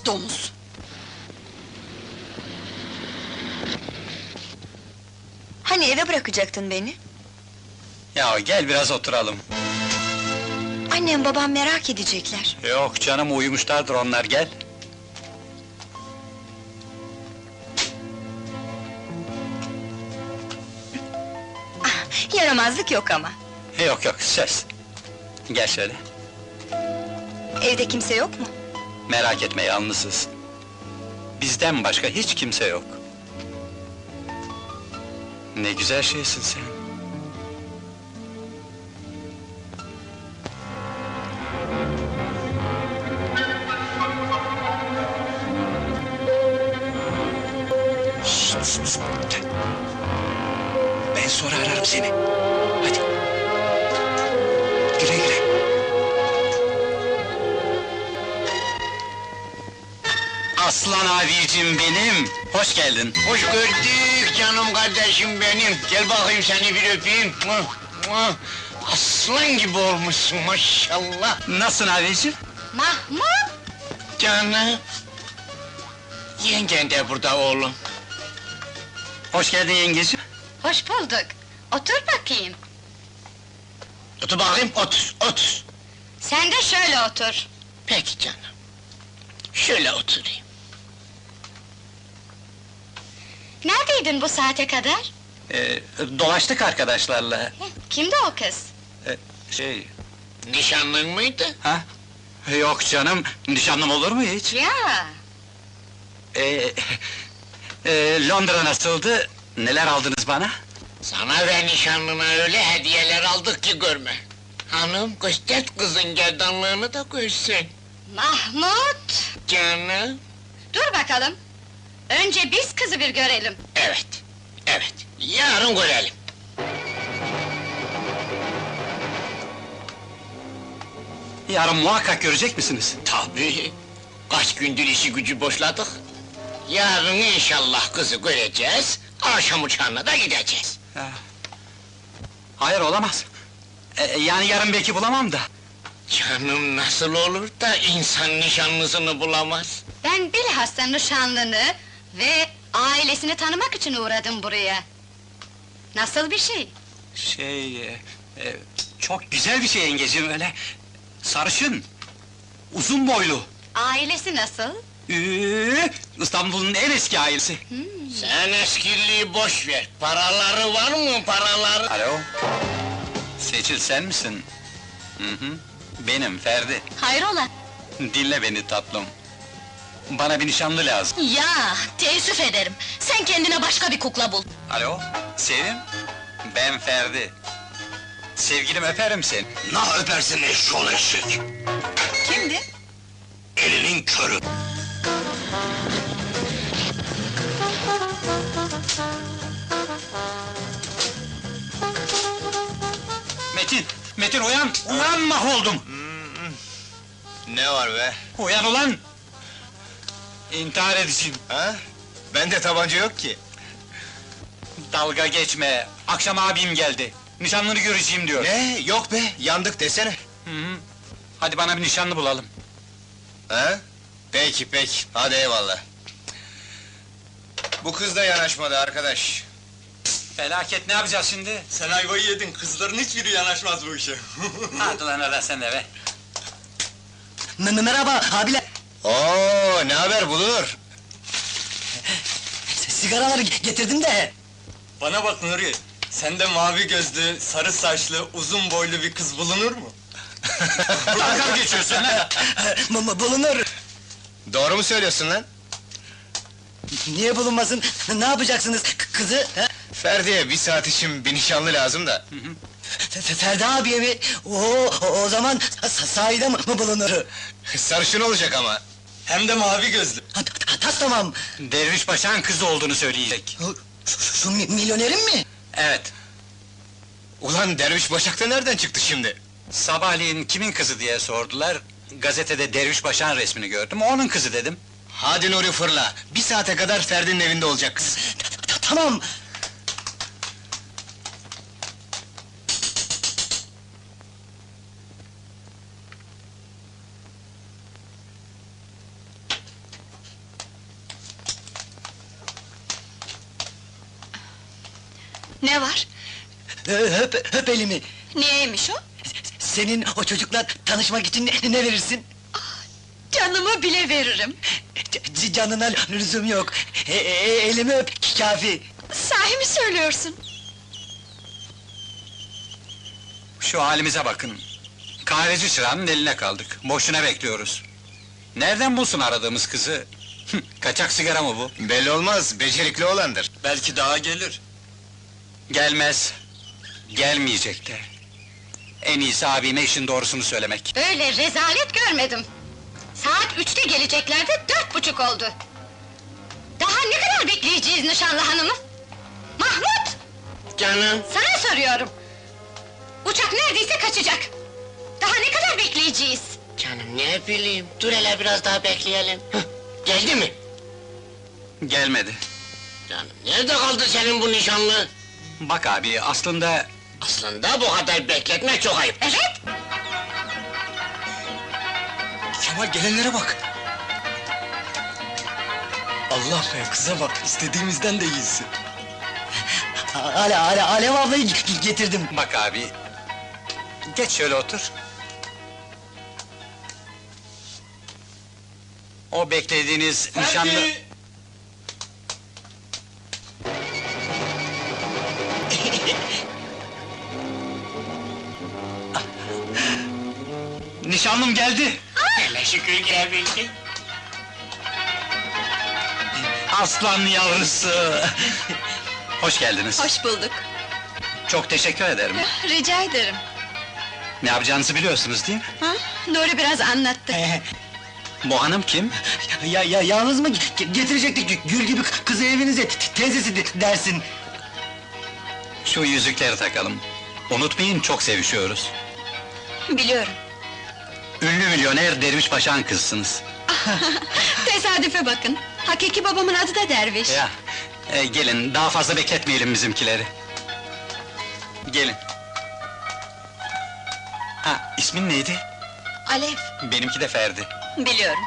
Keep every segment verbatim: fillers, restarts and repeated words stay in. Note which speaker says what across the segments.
Speaker 1: Domuz!
Speaker 2: Hani eve bırakacaktın beni?
Speaker 3: Ya gel biraz oturalım.
Speaker 2: Annem babam merak edecekler.
Speaker 3: Yok canım, uyumuşlardır onlar, gel.
Speaker 2: Ah, yaramazlık yok ama.
Speaker 3: Yok yok, söz. Gel şöyle.
Speaker 2: Evde kimse yok mu?
Speaker 3: Merak etme, yalnızız. Bizden başka hiç kimse yok. Ne güzel şeysin sen. Şşt, şşt, şşt. Ben sonra ararım seni. Hadi. Güle güle. Aslan abicim benim, hoş geldin.
Speaker 4: Hoş gördük canım kardeşim benim. Gel bakayım seni bir öpeyim. Muah, muah. Aslan gibi olmuşsun maşallah.
Speaker 3: Nasılsın abicim?
Speaker 2: Mahmut!
Speaker 4: Canım. Yengen de burada oğlum.
Speaker 3: Hoş geldin yengeciğim.
Speaker 1: Hoş bulduk. Otur bakayım.
Speaker 4: Otur bakayım, otur, otur.
Speaker 1: Sen de şöyle otur.
Speaker 4: Peki canım. Şöyle oturayım.
Speaker 1: Neredeydin bu saate kadar?
Speaker 3: Ee, dolaştık arkadaşlarla.
Speaker 1: Heh, kimdi o kız?
Speaker 3: Ee, şey...
Speaker 4: Nişanlın mıydı?
Speaker 3: Ha? Yok canım, nişanlım olur mu hiç?
Speaker 1: Ya!
Speaker 3: Ee, e, Londra nasıldı? Neler aldınız bana?
Speaker 4: Sana ve nişanlına öyle hediyeler aldık ki görme. Hanım, göster kızın gerdanlığını da görsün.
Speaker 1: Mahmut!
Speaker 4: Canım.
Speaker 1: Dur bakalım. Önce biz kızı bir görelim.
Speaker 4: Evet, evet. Yarın görelim.
Speaker 3: Yarın muhakkak görecek misiniz?
Speaker 4: Tabii. Kaç gündür işi gücü boşladık. Yarın inşallah kızı göreceğiz. Akşam uçağına da gideceğiz.
Speaker 3: Ha. Hayır, olamaz. Ee, yani yarın belki bulamam da.
Speaker 4: Canım nasıl olur da insan nişanlısını bulamaz?
Speaker 1: Ben bilhassa nişanlını ve ailesini tanımak için uğradım buraya. Nasıl bir şey?
Speaker 3: Şey... E, e, çok güzel bir şey yengeciğim, öyle... Sarışın... Uzun boylu...
Speaker 1: Ailesi nasıl?
Speaker 3: Üü, İstanbul'un en eski ailesi.
Speaker 4: Sen eskiliği boş ver. Paraları var mı paraları?
Speaker 3: Alo? Seçil sen misin? Hı hı, benim Ferdi.
Speaker 1: Hayrola?
Speaker 3: Dinle beni tatlım. Bana bir nişanlı lazım.
Speaker 1: Ya, teessüf ederim. Sen kendine başka bir kukla bul.
Speaker 3: Alo, Sevim? Ben Ferdi. Sevgilim, öperim seni.
Speaker 4: Nah öpersin eşşoğlu eşek!
Speaker 2: Kimdi?
Speaker 4: Elinin körü!
Speaker 3: Metin, Metin uyan! Uyan, mahvoldum!
Speaker 4: Ne var be?
Speaker 3: Uyan ulan! İntihar edeceğim.
Speaker 4: Ha? Bende tabanca yok ki.
Speaker 3: Dalga geçme, akşam abim geldi. Nişanlını göreceğim diyor.
Speaker 4: Ne? Yok be, yandık desene.
Speaker 3: Hı hı. Hadi bana bir nişanlı bulalım.
Speaker 4: Ha? Peki peki, hadi eyvallah. Bu kız da yanaşmadı arkadaş.
Speaker 3: Felaket, ne yapacağız şimdi?
Speaker 5: Sen ayvayı yedin, kızların hiçbiri yanaşmaz bu işe.
Speaker 3: Hadi lan oradan sen de be!
Speaker 6: Merhaba abiler.
Speaker 4: Oo, ne haber bulur?
Speaker 6: Sigaraları getirdim de.
Speaker 5: Bana bak Nuri, sende mavi gözlü, sarı saçlı, uzun boylu bir kız bulunur mu?
Speaker 3: Dalga geçiyorsun lan!
Speaker 6: M- bulunur.
Speaker 4: Doğru mu söylüyorsun lan?
Speaker 6: Niye bulunmasın? Ne yapacaksınız k- kızı? he?
Speaker 4: Ferdi'ye bir saat için bir nişanlı lazım da.
Speaker 6: F- F- Ferdi abiye mi? Oo, o, o zaman sa- sahide mi mi bulunur?
Speaker 4: Sarışın olacak ama.
Speaker 5: Hem de mavi gözlü.
Speaker 6: Ha, ta- Tas tamam.
Speaker 3: Derviş Paşa'nın kızı olduğunu söyleyecek.
Speaker 6: Şu, şu- şu mi- milyonerin mi?
Speaker 3: Evet,
Speaker 4: Ulan Derviş Başak da nereden çıktı şimdi?
Speaker 3: sabahleyin kimin kızı diye sordular. Gazetede Derviş Paşa'nın resmini gördüm, onun kızı dedim.
Speaker 4: Hadi Nuri fırla, bir saate kadar Ferdi'nin evinde olacak kız.
Speaker 6: Ta- ta- Tamam.
Speaker 2: Ne var?
Speaker 6: Öp, öp elimi.
Speaker 2: Niyeymiş o?
Speaker 6: Senin o çocukla tanışmak için ne, ne verirsin?
Speaker 2: Canımı bile veririm.
Speaker 6: C- canına lüzum yok. E, e, elimi öp, kafi.
Speaker 2: Sahi mi söylüyorsun?
Speaker 3: Şu halimize bakın. Kahveci çırağının eline kaldık. Boşuna bekliyoruz. Nereden bulsun aradığımız kızı? Kaçak sigara mı bu?
Speaker 4: Belli olmaz, becerikli olandır.
Speaker 5: Belki daha gelir.
Speaker 3: Gelmez. Gelmeyecek de. En iyisi abime işin doğrusunu söylemek.
Speaker 1: Öyle rezalet görmedim. Saat üçte geleceklerdi, dört buçuk oldu. Daha ne kadar bekleyeceğiz nişanlı hanımı? Mahmut!
Speaker 4: Canım,
Speaker 1: Sana soruyorum! Uçak neredeyse kaçacak! Daha ne kadar bekleyeceğiz?
Speaker 4: canım ne bileyim, dur hele biraz daha bekleyelim. Hıh, geldi mi?
Speaker 3: Gelmedi.
Speaker 4: Canım, nerede kaldı senin bu nişanlı?
Speaker 3: Bak abi, aslında...
Speaker 4: Aslında bu kadar bekletmek çok ayıp.
Speaker 1: Evet!
Speaker 5: Kemal gelenlere bak! Allah be, kıza bak, istediğimizden de iyisi.
Speaker 6: Ale, ale, Alev ablayı g- getirdim.
Speaker 3: Bak abi... Geç şöyle otur. O beklediğiniz nişanlı...
Speaker 5: Ferdi!
Speaker 3: Nişanlım geldi!
Speaker 4: Hele şükür gelebildin.
Speaker 3: Aslan yavrusu! Hoş geldiniz.
Speaker 2: Hoş bulduk.
Speaker 3: Çok teşekkür ederim.
Speaker 2: Rica ederim.
Speaker 3: Ne yapacağınızı biliyorsunuz değil mi?
Speaker 2: Ha? Nuri biraz anlattı.
Speaker 3: Bu hanım kim?
Speaker 6: Ya, ya, yalnız mı ge- getirecektik gül gibi kızı evinize, te- teyzesi de- dersin.
Speaker 3: Şu yüzükleri takalım. Unutmayın, çok sevişiyoruz.
Speaker 2: Biliyorum.
Speaker 3: Ünlü milyoner Derviş Paşa'nın kızsınız.
Speaker 2: Tesadüfe bakın. Hakiki babamın adı da Derviş.
Speaker 3: Ya, e, gelin, daha fazla bekletmeyelim bizimkileri. Gelin. Ha, ismin neydi?
Speaker 2: Alev,
Speaker 3: Benimki de Ferdi.
Speaker 2: biliyorum.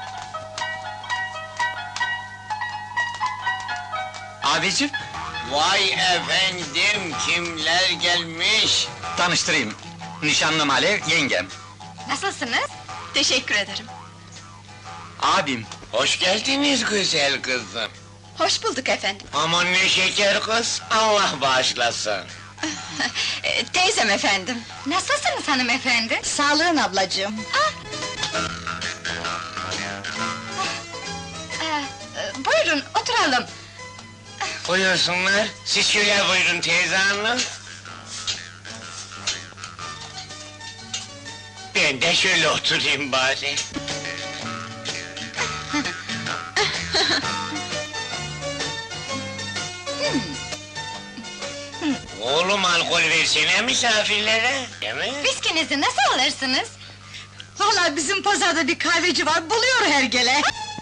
Speaker 3: Abicim,
Speaker 4: Vay efendim, kimler gelmiş?
Speaker 3: tanıştırayım. Nişanlım Alev, yengem.
Speaker 1: Nasılsınız?
Speaker 2: Teşekkür ederim.
Speaker 3: Abim,
Speaker 4: Hoş geldiniz güzel kızım.
Speaker 2: Hoş bulduk efendim.
Speaker 4: Aman ne şeker kız, Allah bağışlasın.
Speaker 2: Ee, teyzem efendim.
Speaker 1: Nasılsınız hanımefendi?
Speaker 2: Sağlığın ablacığım.
Speaker 1: Ee, e, buyurun, oturalım.
Speaker 4: Buyursunlar, siz şöyle buyurun teyze hanım. Ben de şöyle oturayım bari. Oğlum alkol versene misafirlere, değil mi?
Speaker 1: Viskinizi nasıl alırsınız?
Speaker 2: Vallahi bizim pazarda bir kahveci var, buluyor hergele.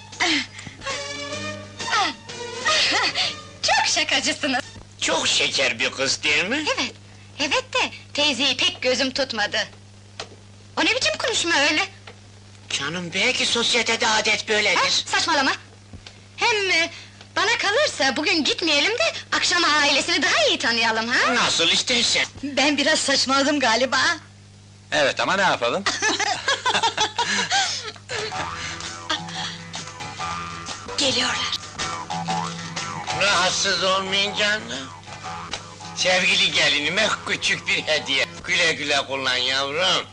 Speaker 1: Çok şakacısınız.
Speaker 4: Çok şeker bir kız değil mi?
Speaker 1: Evet, evet de teyzeyi pek gözüm tutmadı. O ne biçim konuşma öyle?
Speaker 4: Canım belki sosyetede adet
Speaker 1: Ha,
Speaker 4: böyledir.
Speaker 1: saçmalama! Hem e, bana kalırsa bugün gitmeyelim de akşama ailesini daha iyi tanıyalım ha?
Speaker 4: Nasıl istersen.
Speaker 2: Ben biraz saçmaladım galiba.
Speaker 3: evet ama ne yapalım?
Speaker 2: Geliyorlar.
Speaker 4: Rahatsız olmayın canım. Sevgili gelinime küçük bir hediye. Güle güle kullan yavrum.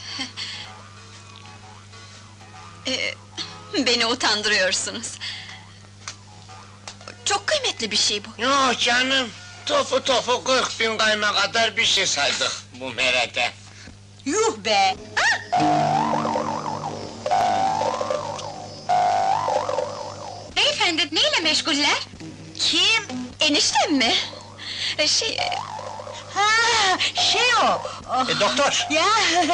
Speaker 2: Ee, beni utandırıyorsunuz. Çok kıymetli bir şey bu.
Speaker 4: Yok canım, topu topu kırk bin kayma kadar bir şey saydık bu merete.
Speaker 2: Yuh be!
Speaker 1: Beyefendi, neyle meşguller?
Speaker 2: Kim? Eniştem mi? Ee, Şey... Ha, şey o! Oh,
Speaker 3: E, doktor,
Speaker 2: ya!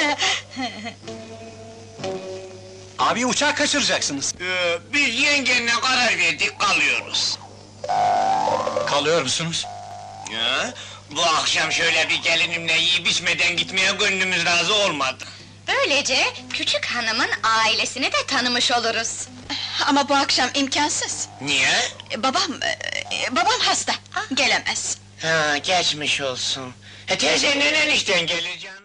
Speaker 3: abi uçağı kaçıracaksınız.
Speaker 4: Ee, biz yengenle karar verdik, kalıyoruz.
Speaker 3: Kalıyor musunuz?
Speaker 4: Ya, bu akşam şöyle bir gelinimle yiyip içmeden gitmeye gönlümüz razı olmadı.
Speaker 1: Böylece küçük hanımın ailesini de tanımış oluruz.
Speaker 2: Ama bu akşam imkansız.
Speaker 4: Niye?
Speaker 2: Ee, Babam, e, babam hasta, gelemez.
Speaker 4: Ha, geçmiş olsun. E teyze nenen işten gelir canım?